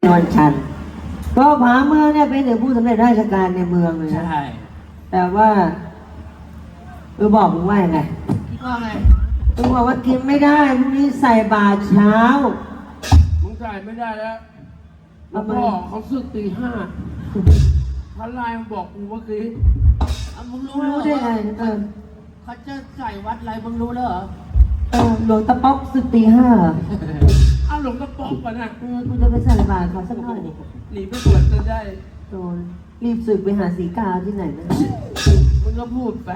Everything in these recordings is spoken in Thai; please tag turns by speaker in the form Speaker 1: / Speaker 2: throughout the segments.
Speaker 1: นวลชันก็ผาเมืองเนี่ยเป็นถึงผู้สำเร็จราชการในเมืองเลยนะ
Speaker 2: ใช่
Speaker 1: แต่ว่าบอกมึงว่ายังไง
Speaker 2: ว่าไง
Speaker 1: มึงบอกว่ากินไม่ได้พรุ่งนี้ใส่บาตรเช้า
Speaker 2: มึงจ่ายไม่ได้แล้วหลวงพ่อเขาสึกตี 5พระลายมาบอกกูเมื่อกี้มึงรู้
Speaker 1: รู้ได้ไง
Speaker 2: เขาจะใส่วัดอะไรมึงรู้แล้วเหรอ
Speaker 1: หลวงตาป๊อกสึกตี 5เหรอ
Speaker 2: อ้าวหลวงกระป๋องก่อนนะ
Speaker 1: กูจะไปใส่บาตรเขาสักหน่อยดิ
Speaker 2: หนีไปบวชจะได้
Speaker 1: โดนรีบสึกไปหาสีกาที่ไหนนะ
Speaker 2: มึงก็พูดไป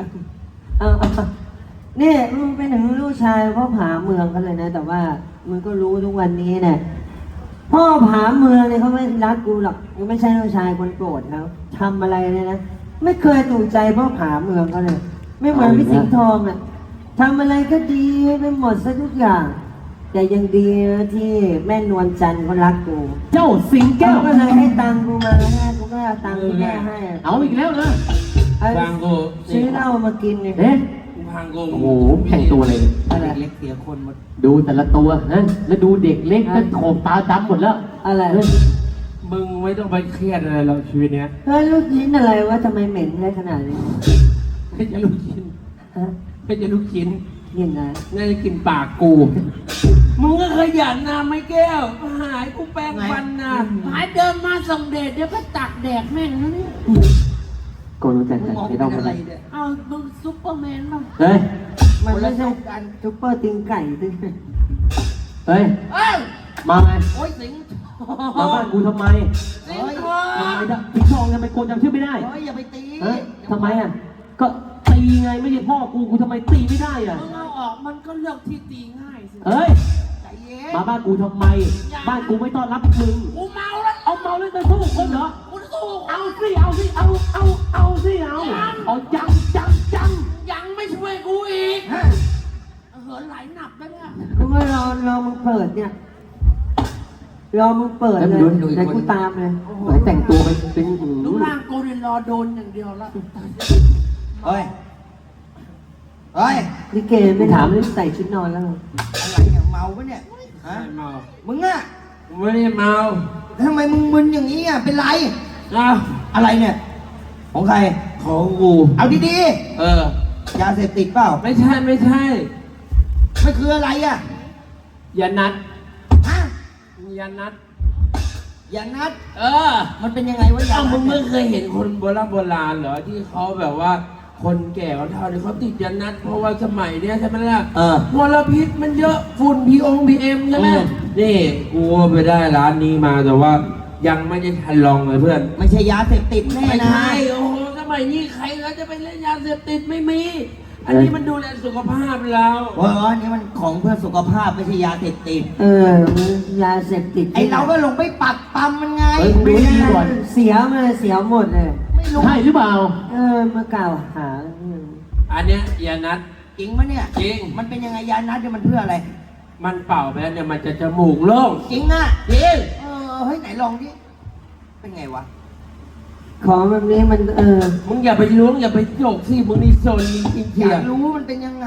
Speaker 1: นี่มึงเป็นถึงลูกชายพ่อผาเมืองกันเลยนะ แต่ว่ามึงก็รู้ทุกวันนี้เนี่ยพ่อผาเมืองเนี่ยเขาไม่รักกูหรอกกูไม่ใช่ลูกชายคนโปรดเขาทำอะไรเลยนะไม่เคยถูกใจพ่อผาเมืองเขาเลย ไม่เหมือนพี่สิงห์ทองอ่ะทำอะไรก็ดีไปหมดซะทุกอย่าง แต่ยังดีนะที่แม่นวลจันทร์เขารักกู
Speaker 3: เจ้าสิงแก้ว
Speaker 1: ก็เลยให้ตังค์กูมาแล้วกูก็เอาตังค์ที่แม่ให้อะ
Speaker 3: เอาอีกแล้วนะ
Speaker 2: ฟังกู
Speaker 1: ซื้อเหล้ามากินเนี่ย
Speaker 3: เอ๊ะ
Speaker 2: ฟังกู
Speaker 3: โอ้โหแข่งตัวเลย
Speaker 1: อะไร
Speaker 2: เล็กเสียคนหมด
Speaker 3: ดูแต่ละตัวนะแล้วดูเด็กเล็กนั่นโขบตาดำหมดแล้ว
Speaker 1: อะไร
Speaker 3: เฮ้ย
Speaker 2: มึงไม่ต้องไปเครียดอะไรหรอกชีวิตเนี้ย
Speaker 1: เฮ้ยลูกชิ้นอะไรวะทำไมเหม็นได้ขนาดนี้
Speaker 2: ไม่จะลูกชิ้น
Speaker 1: ฮะ
Speaker 2: ไม่จะลูกชิ้น
Speaker 1: กินอะไร
Speaker 2: น่าจะกินปากกู มึงก็ขยันนะไม่แก้ว หายกูแปรงฟันนะหายเดินมาส่งเดชเดี๋ยวก็ตักแดกแม่งนะเนี่ย
Speaker 3: โกรู้จักแต่ไม่ต้องอะไร
Speaker 2: เอามึงซุปเปอร์แมนป่ะ
Speaker 3: เฮ้ย
Speaker 1: มันไม่ใช่ซุปเปอร์ติงไก่ติ
Speaker 3: เฮ้ย
Speaker 2: เอ้ย
Speaker 3: มาไง
Speaker 2: โอ้ยสิงห์ท
Speaker 3: มา
Speaker 2: อง
Speaker 3: บ้านกูทำไม
Speaker 2: สิงห์ทอ
Speaker 3: ทำไม
Speaker 2: ง
Speaker 3: ได้พี่ทองทำไมโกนจำชื่อไม่ได้
Speaker 2: เฮ้ยอย่าไปตี
Speaker 3: เฮ้ยทำไมอ่ะ ก็ตีไงไม่ใช่พ่อกูทำไมตีไม่ได้อ่ะ
Speaker 2: มึงเอาออกมันก็เลือกที่ตีง่ายสิ
Speaker 3: เฮ้ย
Speaker 2: ใจเย็น
Speaker 3: มาบ้านกูทำไม บ้านกูไม่ต้อนรับมึง
Speaker 2: กูเมาแล้ว
Speaker 3: เอาเมาเลยจะสู้คนเหรอ
Speaker 2: กูสู้
Speaker 3: เอาสิ เอาสิ เอาสิเอาจัง
Speaker 2: ยังไม่ช่วยกูอีกเหินไหลหนักแล้วเนี่ย
Speaker 1: กูก็รอมึงเปิดเนี่ยรอมึงเปิดเลยเดี๋ยวกูตามเลย
Speaker 3: ไหนแต่งตัวเป็น
Speaker 2: รูปร่างกูเนี่ยรอโดนอย่างเดียวแล้ว
Speaker 4: เฮ้ย เฮ้ย
Speaker 1: ลิเกไม่ถามเลยใส่ชุดนอนแล้ว
Speaker 4: อะไรเนี่ยเมาปะเนี่ย ฮะ
Speaker 2: ไม่เมา
Speaker 4: มึงอะ
Speaker 2: กูไม่ได้เมา
Speaker 4: ทำไมมึงมึนอย่างนี้อะเป็นไร
Speaker 2: อ้าว
Speaker 4: อะไรเนี่ย ของใคร
Speaker 2: ของกู
Speaker 4: เอาดี
Speaker 2: เออ
Speaker 4: ๆ ยาเสพติดเปล่า
Speaker 2: ไม่ใช่
Speaker 4: ไม่คืออะไรอะ
Speaker 2: อย่านัด
Speaker 4: ฮะ
Speaker 2: อย่านัด
Speaker 4: ยานัด
Speaker 2: เออ
Speaker 4: มันเป็นยังไงวะยา
Speaker 2: อ้าว
Speaker 4: นั
Speaker 2: มึ
Speaker 4: ด
Speaker 2: งไม่เคยเห็นคนโบราณเหรอที่เขาแบบว่า คนแก่เขาเท่านี้เขาติดยานัด เพราะว่าสมัยเนี้ยใช่ไหมล่ะ
Speaker 4: เออ
Speaker 2: มลพิษมันเยอะฝุ่นPM ใช่ไหมนี่กูไปได้ร้านนี้มาแต่ว่ายังไม่ได้ทันลองเลยเพื่อน
Speaker 4: ไม่ใช่ยาเสพติดแน่
Speaker 2: ไม่
Speaker 4: นะ
Speaker 2: ใช่โอ้โหสมัยนี้ใครเขาจะไปเล่นยาเสพติดไม่มี อันนี้มันดูแลสุขภาพเรา
Speaker 4: โอ้ยอันนี้มันของเพื่อสุขภาพไม่ใช่ยาเสพติด
Speaker 1: ยาเสพติด
Speaker 4: ไอเราก็ลงไปปักปั๊มมันไง
Speaker 3: เฮ้ยดูดีก่อน
Speaker 1: เสียมาเสียหมดเลย
Speaker 4: ไม่รู้
Speaker 3: ใช่หรือเปล่า
Speaker 1: มากล่าวหา
Speaker 2: อันเนี้ยยานัด
Speaker 4: จริงปะเนี่ย
Speaker 2: จริง
Speaker 4: มันเป็นยังไงยานัดเนี่ยมันเพื่ออะไร
Speaker 2: มันเป่าไปแล้วเนี่ยมันจะจมูกโล่ง
Speaker 4: จริงอะ
Speaker 2: จริง
Speaker 4: เฮ้ยไหนลองดิ เป็นไงวะ
Speaker 1: ของแบบนี้มัน
Speaker 2: มึงอย่าไปล้วงอย่าไปโจกสิมึงนี่โซนจริงๆ
Speaker 4: อ
Speaker 2: เชีย
Speaker 4: ยากรู้มันเป็นยังไง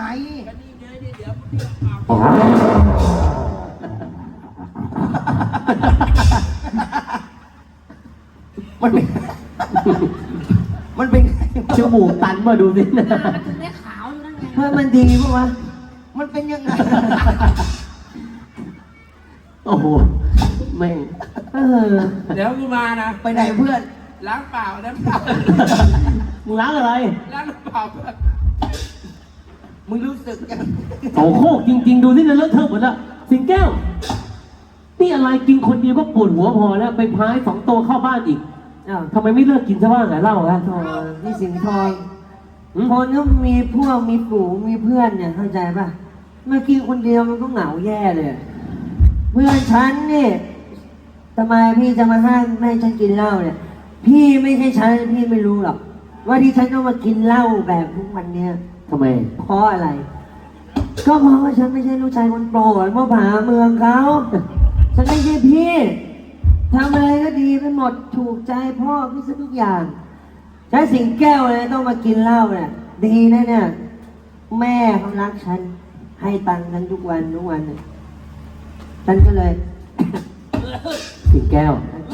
Speaker 4: มันเป็น มันเป็นไง
Speaker 3: จมูกตันมาดูสินะ
Speaker 1: เพื่อมันดีปะวะ
Speaker 4: มันเป็นยังไง
Speaker 3: โอ้โหแม่ง
Speaker 2: เดี๋ยวกูมานะ
Speaker 4: ไปไหนเพื่อน
Speaker 2: ล้างเปล่าน้ำเปล่า
Speaker 3: มึงล้างอะไร
Speaker 2: ล้างน้ำเปล่าเพื่อน
Speaker 4: มึงรู้สึกยัง
Speaker 3: โอ้โหจริง ๆ ดูสินะเลอะเทอะหมดละสิงแก้ว นี่อะไรกินคนเดียวก็ปวดหัวพอแล้วไปพาย2 ตัวเข้าบ้านอีก
Speaker 1: อ้าว
Speaker 3: ทำไมไม่เลิกกินซะบ้างอะเหล้าอะ
Speaker 1: โธ่พี่สิงห์ทองคนก็มีพวกมีฝูงมีเพื่อนเนี่ยเข้าใจป่ะเมื่อกี้คนเดียวมันก็เหงาแย่เลย เพื่อนฉันนี่ทำไมพี่จะมาห้ามไม่ให้ฉันกินเหล้าเนี่ย พี่ไม่ใช่ฉันพี่ไม่รู้หรอก ว่าที่ฉันต้องมากินเหล้าแบบทุกวันเนี้ย
Speaker 3: ทำไม
Speaker 1: เพราะอะไร ก็เพราะว่าฉันไม่ใช่ลูกชายคนโปรดพ่อผาเมืองเขาฉันไม่ใช่พี่ทำอะไรก็ดีไปหมดถูกใจพ่อพี่ซะทุกอย่างใช้สิงแก้วเลยต้องมากินเหล้าเนี่ยดีนะเนี่ยแม่เขารักฉันให้ตังค์ฉันทุกวันเนี่ยฉันก็เลย
Speaker 3: สิงแก้ว
Speaker 1: เข้า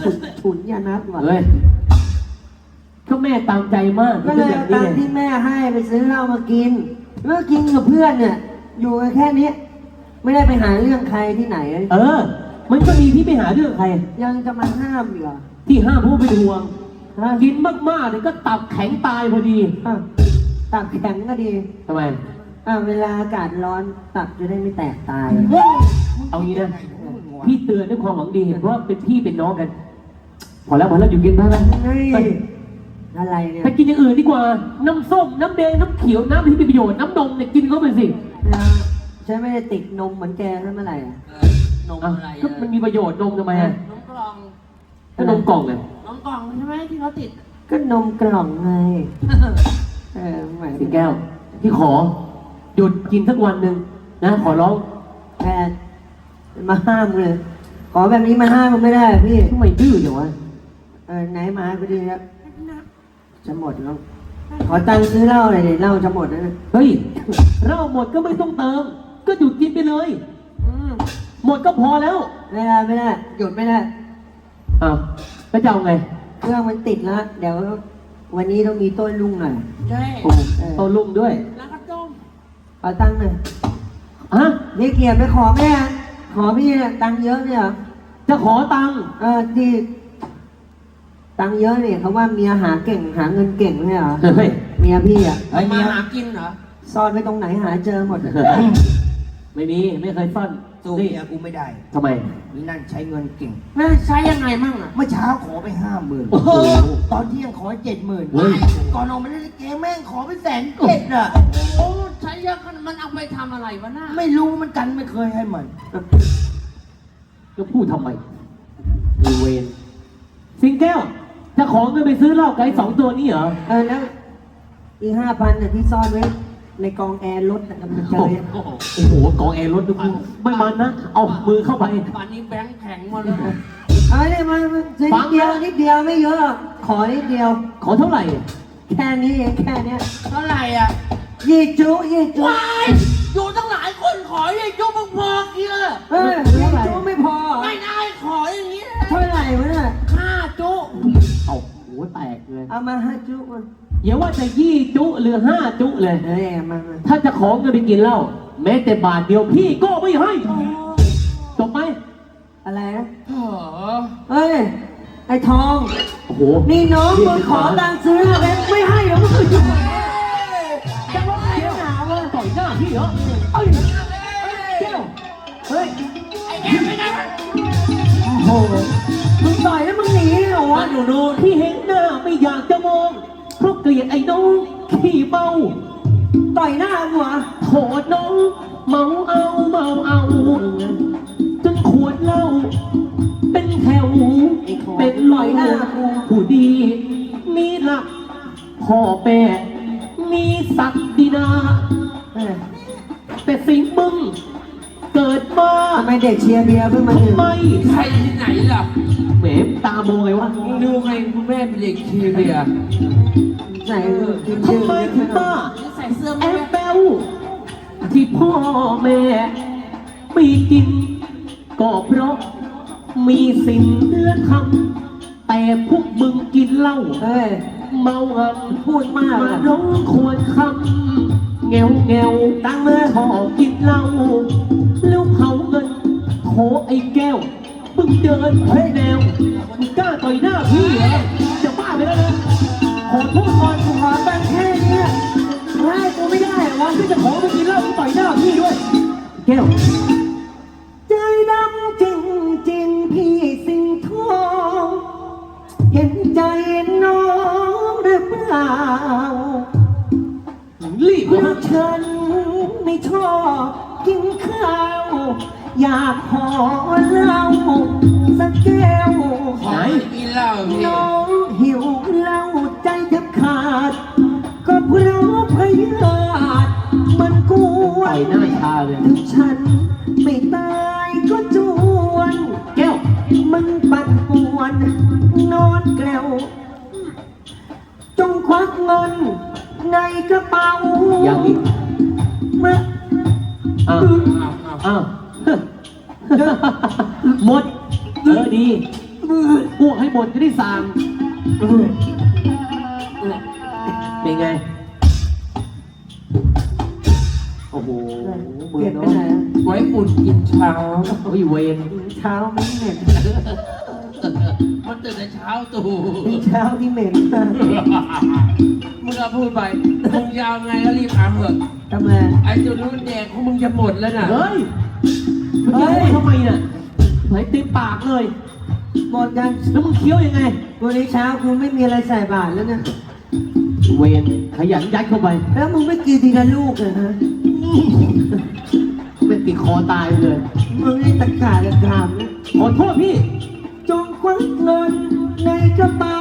Speaker 1: ฉุนยานัดว่ะ
Speaker 3: เฮ้ยก็แม่ตามใจมาก
Speaker 1: ก็เลย
Speaker 3: แบ
Speaker 1: เอา
Speaker 3: บ
Speaker 1: ตั
Speaker 3: นี้
Speaker 1: งค์ที่แม่ให้ไปซื้อเหล้ามากินเมื่อกินกับเพื่อนเนี่ย อยู่กันแค่นี้ไม่ได้ไปหาเรื่องใครที่ไหน
Speaker 3: เออ มันก็ดีที่ไปหาเรื่องใคร
Speaker 1: ยังจะมาห้ามอีกเหรอ
Speaker 3: ที่ห้ามเพราะว่าเป็นห่วง
Speaker 1: ฮะ
Speaker 3: กินมากๆเนี่ยก็ตับแข็งตายพอดี
Speaker 1: อ่ะตับแข็งก็ดี
Speaker 3: ทำไม
Speaker 1: เวลาอากาศร้อนตับจะได้ไม่แตกตาย
Speaker 3: เอางี้นะ พี่เตือนด้วยความหวังดีเพราะว่าเป็นพี่เป็นน้องกัน พอแล้วอยู่กินได้ไหม
Speaker 1: เฮ้ย
Speaker 3: ไป
Speaker 1: อะไรเนี่ย
Speaker 3: ไปกินอย่างอื่นดีกว่า น้ำส้ม น้ำแดง น้ำเขียว น้ำที่มีประโยชน์ น้ำนมเนี่ยกินเข้าไปสิ
Speaker 1: ฉันไม่ได้ติดนมเหมือนแกใช่เมื่อไหร่อ่ะ
Speaker 2: นม
Speaker 3: อ่ะ
Speaker 2: อะไร
Speaker 3: ก็มันมีประโยชน์นมทำไมอ่ะ
Speaker 2: นมกล่อง
Speaker 3: ก็นมกล่องไง
Speaker 2: นมกล่องใช่ไหมที่เขาติด
Speaker 1: ก็นมกล่องไงแหม
Speaker 3: สิงแก้ว พี่ขอ หยุดกินสักวันหนึ่งนะ ขอร้อง
Speaker 1: แพทย์มาห้ามเลย ขอแบบนี้มาห้ามมันไม่ได้อะพี่
Speaker 3: ทำไมดื้ออย่างวะ
Speaker 1: ไหนมาก็ดีแล้วจะหมดแล้ว ขอตังค์ซื้อเหล้าหน่อยดิเหล้าจะหมดแล้วนะ
Speaker 3: เฮ้ยเหล้าหมดก็ไม่ต้องเติม ก็หยุดกินไปเลย หมดก็พอแล้ว
Speaker 1: ไม่ได้หยุดไม่ได้
Speaker 3: อ้าวแล้วจะเอาไง
Speaker 1: เครื่องมันติดแล้ว เดี๋ยววันนี้ต้องมีต้นลุงหน่อย
Speaker 2: ใช่
Speaker 3: โอ้โตลุ่มด้วย
Speaker 2: แล้วก็ต้ม
Speaker 1: ขอตังค์หน่อย
Speaker 3: ฮะ
Speaker 1: นี่เกียรติไปขอแม่ ขอพี่เนี่ยตังค์เยอะเนี่ยเหรอ
Speaker 3: จะขอตังค์
Speaker 1: ที่ตังค์เยอะเนี่ยเขาว่าเมียหาเก่งหาเงินเก่งไม่ใช่เหรอ
Speaker 3: เฮ้ย
Speaker 1: เมียพี่อ่ะ
Speaker 2: ไอ้มาหากินเหรอ
Speaker 1: ซ่อนไว้ตรงไหนหาเจอหมดอะ
Speaker 3: ไม่มี ไม่เคยซ่อน
Speaker 4: สู้
Speaker 3: นี่
Speaker 4: เมียกูไม่ได้
Speaker 3: ทำไม
Speaker 4: นี่นั่นใช้เงินเก่ง
Speaker 2: แม่ใช้ยังไงมั่งอ่ะ
Speaker 4: เมื่อเช้าขอไป50,000
Speaker 3: โอ้โห
Speaker 4: ตอนเที่ยงขอ70,000
Speaker 3: เฮ้ย
Speaker 4: ก่อนออกมาเล่นลิเกแม่งขอไป107,000อ่ะ
Speaker 2: โอ้ใช้เยอะขนาดมันเอาไปทำอะไรวะหน้า
Speaker 4: ไม่รู้เหมันกันไม่เคยให้มัน
Speaker 3: จะพูดทำไมมีเวรสิงแก้ว จะขอเงินไปซื้อเหล้าไก่สองตัวนี้เหรอ
Speaker 1: แล้วอีก5,000น่ะที่ซ่อนไว้ในกองแอร์รถน่ะมันเจอเนี่ย
Speaker 2: โอ้โห
Speaker 3: โอ้โหกองแอร์รถดูกูไม่มันนะ เอามือเข้าไป
Speaker 2: ป่านนี้แบงค์แข็งหมดเลย
Speaker 1: เอาเนี่ยมาซื้อ
Speaker 3: ฟั
Speaker 1: นิ
Speaker 3: ง
Speaker 1: ดเดียว
Speaker 3: นะ
Speaker 1: นิดเดียวไม่เยอะหรอกขอนิดเดียว
Speaker 3: ขอเท่าไหร่
Speaker 1: แค่นี้เองแค่เนี้ย
Speaker 2: เท่าไหร่อ่ะ
Speaker 1: ยี่จุยี่จุ
Speaker 2: ว้ายอยู่ตั้งหลายคนขออย่างยุบพอๆกี่เลย
Speaker 1: ยี่จุไม่พอ
Speaker 2: ไม่ได้ขออย่างนี้เลย
Speaker 1: เท่าไหร่วะเนี่ย
Speaker 2: 5 จุ
Speaker 3: เอาหัวแตกเลย
Speaker 1: เอามา5 จุมา
Speaker 3: อย่าว่าจะจุหรือ5 จุเลย
Speaker 1: มา
Speaker 3: ถ้าจะขอเงินไปกินเหล้าแม้แต่บาทเดียวพี่ก็ไม่ให้จบไหม
Speaker 1: อะไรนะ
Speaker 2: เออ
Speaker 1: เฮ้ยไอ้ทอง
Speaker 3: โอ้โห
Speaker 1: นี่น้องมึงขอตังค์ซื้ออะไรไม่ให้เหรอมึงจะว่าไงหนาวะ
Speaker 3: ต่อยหน้าพี่เหรอเอ้ยแก้ว
Speaker 1: เฮ้ย
Speaker 2: ไอ้แกไม่ได้
Speaker 1: โอ้โหมึงต่อยแล้วมึงหนีเหรอวะ
Speaker 3: หนูที่เห็นหน้าไม่อยากจะมองเพราะเกลียดไอ้น้องขี้เมา
Speaker 1: ต่อยหน้ามึงเหรอ
Speaker 3: โทษน้องเมาเอาจนขวดเหล้าเป็นแถวเป็นลอยหน้าผู้ดี มีหลักพ่อแม่มีศักดินา
Speaker 1: เฮ้ย
Speaker 3: แต่สิ่งมึงเกิดมา
Speaker 1: ทำไมเด็กเชียร์เบียร์เพิ่งมาถึง
Speaker 3: ทำไม
Speaker 2: ใครที่ไหนล่ะ
Speaker 3: แหมตาโมไงวะ
Speaker 2: มึงดูไงคุณแม่เป็นเด็กชีเบียร์
Speaker 1: ใส่กินชื่
Speaker 3: ทำ
Speaker 1: อ
Speaker 3: ไมถึงมา
Speaker 2: ใส่เสื้อ
Speaker 3: แอ
Speaker 2: แม่
Speaker 3: บแบวที่พ่อแม่ไม่กิน ก็เพราะมีสิ่งเลือทำแต่พวกมึงกินเหล้า
Speaker 1: เฮ้ย
Speaker 3: เมาหัน
Speaker 1: พูดมาก
Speaker 3: มา
Speaker 1: อะ
Speaker 3: ร้องควรคำแงวตั้งเมื่อชอบกินเหล้าแล้วเผาเงินโถไอ้แก้วมึงเดินผิดแนวมึงกล้าต่อยหน้าพี่เหรอจะบ้าไปแล้วนะขอโทษก่อน
Speaker 1: กูขอตังค์แค่เนี้ยให้กูไม่ได้เหรอวะ
Speaker 3: ที่จะขอไปกินเหล้ามึงต่อยหน้าพี่ด้วย แก้ว
Speaker 1: ใจดำจริงจริงๆพี่สิงห์ทอง เห็นใจน้องหรือเปล่า
Speaker 3: รีบ
Speaker 1: เพ
Speaker 3: นะ
Speaker 1: ราะฉันไม่ชอบกินข้าว อยากขอเหล้าสักแก้ว
Speaker 2: ขอกินเหล้าพี่
Speaker 1: น้องหิวเหล้าใจแทบขาด ก็เพราะพยาธิมันกว
Speaker 3: ต่อน ยหน้าชาเลย
Speaker 1: ถึงฉันไม่ตายก็จวน
Speaker 3: แก้ว
Speaker 1: มันปั่นป่วนนอนแกล้วจงควักเงินในกระเป๋า
Speaker 3: ยังอีก
Speaker 1: มา
Speaker 3: อ้าว
Speaker 2: อ้าว
Speaker 3: อ้าว หมด ดีอ้วกให้หมดจะได้สางเป็นไง โอ้โหมื
Speaker 1: เก็
Speaker 3: อบ
Speaker 1: ไป
Speaker 3: น้อ
Speaker 1: ไหน
Speaker 3: ย
Speaker 1: อะ
Speaker 2: ไว้อุ่นกินเช้า
Speaker 3: โอ้ยเวร
Speaker 1: เช้าไม่เหม็น
Speaker 2: มันตื่นแต่เช้าตู่
Speaker 1: เช้าที่เหม็นมาก
Speaker 2: มึงก็พูดไปมึงยาวไงก็รีบถามเถอะ
Speaker 1: ทำไม
Speaker 2: ไอ้จุดนู้นแดกของมึงจะหมดแล้วน่ะ
Speaker 3: เฮ้ยมึงจะพูดทำไมน่ะไหนเต็มปากเลย
Speaker 1: หมดกัน
Speaker 3: แล้วมึงเคี้ยวยังไง
Speaker 1: วันนี้เช้ากูไม่มีอะไรใส่บาตรแล้วนะ
Speaker 3: เวรขยันยัดเข้าไป
Speaker 1: แล้วมึงไม่กินทีละลูกเลยฮะ
Speaker 3: เป็นติดคอตายเลย
Speaker 1: มึงนี่ตะกาตะกรามนะ
Speaker 3: ขอโทษพี่
Speaker 1: จงควักเงินในกระเป๋า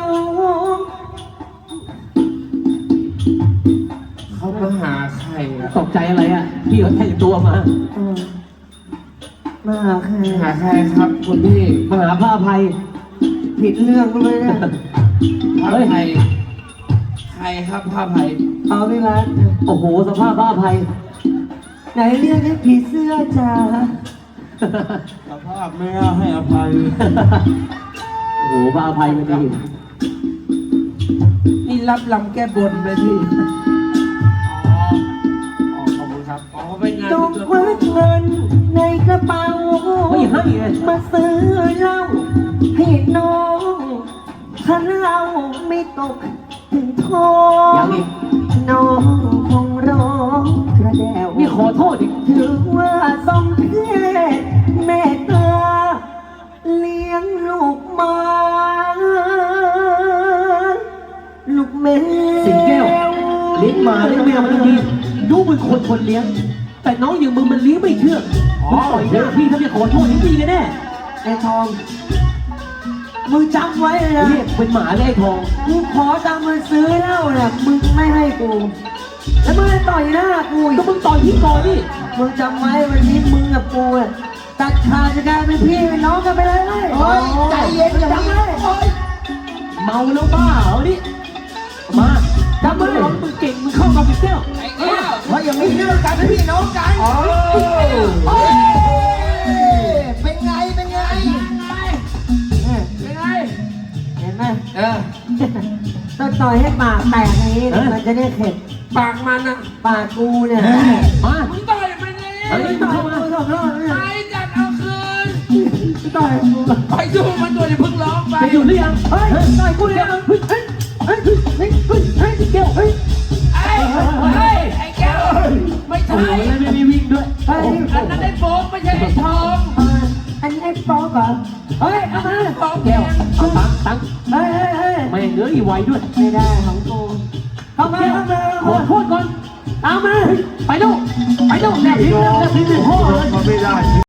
Speaker 2: เขามาหาใครอะ
Speaker 3: ตกใจอะไรอ่ะ พี่เขาแต่งตัวมา
Speaker 1: เออมาหาใคร
Speaker 2: หาใครครับคุณพี่
Speaker 3: มาหาพระอภัย
Speaker 1: ผิดเรื่องเลยนะ
Speaker 2: พระ
Speaker 3: เฮ้ย
Speaker 2: ไพใครครับพระไพ
Speaker 1: เอาไปรัด
Speaker 3: โอ้โห สภาพพระอภัย
Speaker 1: ไหนเรียกให้ผีเสื้อจ้า
Speaker 2: สภาพไม่ให้อภัย
Speaker 3: โอ้โหพระอภัยมันดี
Speaker 2: นี่รับลำแก้บนไหมพี่อ๋อขอบคุณครับอ๋อเป็นงาน
Speaker 1: จงควักเงินในกระเป๋า
Speaker 3: ไม่ให้ไง
Speaker 1: มาซื้อเหล้าให้น้องถ้าเหล้าไม่ตกถึงท้อง
Speaker 3: ยังอีก
Speaker 1: น้องคงร้องกระเดว
Speaker 3: นี่ขอโทษอีก
Speaker 1: ถือว่าสมเพศแม่ตาเลี้ยงลูกมา ลูกแมว
Speaker 3: สิงแก้ว เลี้ยงหมาเลี้ยงแมวมันดีดูมึงคนเลี้ยง แต่น้องอย่างมึงมันเลี้ยงไม่เชื่องมึงปล่อยหน้าพี่ถ้าไม่ขอโทษนี่ดีกันแน่
Speaker 1: ไอ้ทอง มึงจำไว้เลยนะ
Speaker 3: เรียกเป็นหมาเลยไอ้ทอง
Speaker 1: กูขอตังค์มึงซื้อเหล้าน่ะมึงไม่ให้กู แล้วมึงจะต่อยหน้ากูอี
Speaker 3: ก็
Speaker 1: ก
Speaker 3: มึงต่อยพี่ก่อนนี่
Speaker 1: มึงจำไว้วันนี้มึงกับกูอ่ะตัดขาดจากการเป็นพี่เป็นน้องกันไปเลยเว้ย
Speaker 4: เฮ้ยใจเย็นอย่า
Speaker 1: จำ
Speaker 4: เพิ่
Speaker 1: ไว้
Speaker 4: งโอ๊ย
Speaker 3: เมาแล้วบ้าเหรอนี่ มาจำไว้มึงเก่งมึงเข้ากับพี่แก้ว
Speaker 2: ไอ้แก้ว
Speaker 4: เฮ้ยอย่ามีเรื่องกันพี่น้องกัน
Speaker 2: โอ้
Speaker 4: เฮ้ยเป็นไง เป็นไง
Speaker 2: เป็นไง
Speaker 1: เห็นไหม
Speaker 2: เออ
Speaker 1: ต้องต่อยให้ปากแตกอย่างนี้มันจะได้เข็ด
Speaker 2: ปากมันอะ
Speaker 1: ปากกูเนี่ย
Speaker 3: มา
Speaker 2: มึงต่อยมันเลย
Speaker 3: เฮ้ย
Speaker 1: ต่อยกูสองรอบเนี่ย
Speaker 2: ไปจัดเอาคืน
Speaker 1: ต่อยกู
Speaker 2: ไปดูมันตัวจะเพิ่งร้องไป
Speaker 3: จะอยู่หรือยัง
Speaker 1: เฮ้ยต่อยกูเนี่ยเฮ้ยเฮ้ยเฮ้ยเฮ้ยเฮ้ยเฮ้ยแก้วเฮ้ย
Speaker 2: ไอ้เฮ้ยไอ้แก้วไม่
Speaker 3: โอ้
Speaker 2: ใช่
Speaker 3: โหแล้วไม่มีวิ่งด้วย
Speaker 1: เฮ้ย
Speaker 2: อันนั้นไอ้โฟกไม่ใช่ไอ้ทอง
Speaker 1: อันนี้ไอ้ป๊อกเหรอเฮ้ยเอามา
Speaker 2: ทอง
Speaker 3: แก้ว
Speaker 2: ง
Speaker 3: เอาตังค์
Speaker 1: เฮ้ยเฮ้ย
Speaker 3: ไม่เหลืออีกไวด้วย
Speaker 1: ไม่ได้ของกูเข้ามาเข้ามา
Speaker 3: ขอโทษก่อน ตามมา ไปดูไปดูแนบพิมพ์แนบพิมพ์พ่อเลย